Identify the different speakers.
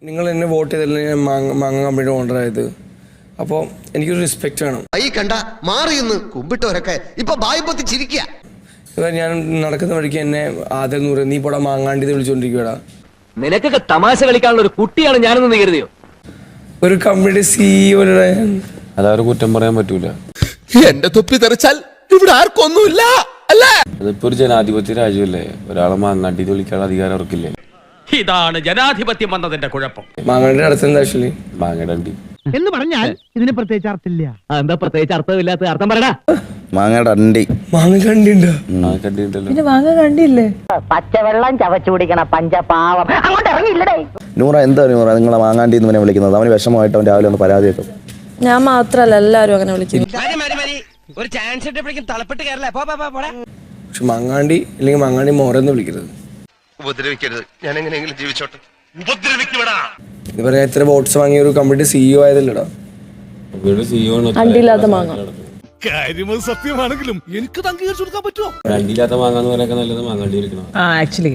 Speaker 1: നിങ്ങൾ എന്നെ വോട്ട് ചെയ്തല്ലേ ഞാൻ മാങ്ങ കമ്പനിയുടെ ഓണറായത്. അപ്പോൾ എനിക്കൊരു റെസ്പെക്റ്റ് വേണം.
Speaker 2: ഈ കണ്ട മാറിയെന്ന് കുമ്പിട്ടവരൊക്കെ ഇപ്പൊ ബായ്പത്തി ചിരിക്കുക.
Speaker 1: ഞാൻ നടക്കുന്ന വഴിക്ക് എന്നെ ആദ്യം നൂറ് നീ പോടാ മാങ്ങാണ്ടി വിളിച്ചോണ്ടിരിക്കുവാടാ.
Speaker 3: നിനക്കൊക്കെ തമാശ കളിക്കാനുള്ള ഒരു കുട്ടിയാണ് ഞാനെന്ന് കരുതിയോ?
Speaker 1: ഒരു കമ്പനിയുടെ സിഇഒയുടെ
Speaker 4: അതവരെ കുറ്റം പറയാൻ പറ്റൂല.
Speaker 5: എന്റെ തൊപ്പി തെറിച്ചാൽ ഇവിടെ ആർക്കൊന്നുമില്ല അല്ലേ?
Speaker 4: അതിപ്പോ ഒരു ജനാധിപത്യ രാജ്യമല്ലേ, ഒരാളെ മാങ്ങാണ്ടി വിളിക്കാനുള്ള അധികാരം അവർക്കില്ലേ.
Speaker 6: ഇതാണ് ജനാധിപത്യം വന്നതിന്റെ കുഴപ്പം.
Speaker 1: മാങ്ങാണ്ടിയുടെ അടുത്ത് ആക്ച്വലി
Speaker 4: മാങ്ങടണ്ടി
Speaker 7: എന്ന് പറഞ്ഞാൽ ഇതിന് പ്രത്യേകിച്ച് അർത്ഥമില്ല.
Speaker 3: എന്താ പ്രത്യേകിച്ച് അർത്ഥമില്ലാത്ത അർത്ഥം പറയടാ.
Speaker 8: മാങ്ങയുടെ അണ്ടി
Speaker 1: മാങ്ങ കണ്ടിണ്ടോ?
Speaker 4: കണ്ടിട്ടല്ലോ.
Speaker 9: മാങ്ങ കണ്ടില്ലേ?
Speaker 10: പച്ചവെള്ളം ചവച്ചു കുടിക്കണ പഞ്ചപാവം അങ്ങോട്ട് ഇറങ്ങിയില്ലടേ.
Speaker 8: നൂറ എന്താ നൂറ നിങ്ങളെ മാങ്ങാണ്ടി എന്ന് വിളിക്കുന്നത്? അവന് വിഷമമായിട്ട് അവൻ രാവിലെ ഒന്ന് പരാതി വെക്കും.
Speaker 9: ഞാൻ മാത്രല്ല എല്ലാരും അങ്ങനെ വിളിക്കുന്നു.
Speaker 6: ഒരു ചാൻസ് ഇട്ടപ്പോഴേക്കും തളപ്പെട്ട് കയറല്ലേ.
Speaker 1: പക്ഷെ മാങ്ങാണ്ടി അല്ലെങ്കിൽ മാങ്ങാണ്ടി മോറെന്ന് വിളിക്കരുത്.
Speaker 2: ഉപദ്രവിക്കരുത്, ഞാൻ എങ്ങനെയെങ്കിലും ജീവിച്ചോട്ടെ.
Speaker 1: ഇത് പറയാ എത്ര വോട്ട്സ് വാങ്ങിയ ഒരു കമ്പനിയുടെ സിഇഒ ആയതല്ലടാ.
Speaker 9: അണ്ടിയില്ലാത്ത മാങ്ങ.
Speaker 5: കാര്യം സത്യമാണെങ്കിലും എനിക്ക് അംഗീകരിച്ചു കൊടുക്കാൻ പറ്റുമോ?
Speaker 4: അണ്ടിയില്ലാത്ത മാങ്ങാന്ന് പറയാൻ നല്ലത് മാങ്ങാണ്ടി വിളിക്കണം.
Speaker 9: ആക്ച്വലി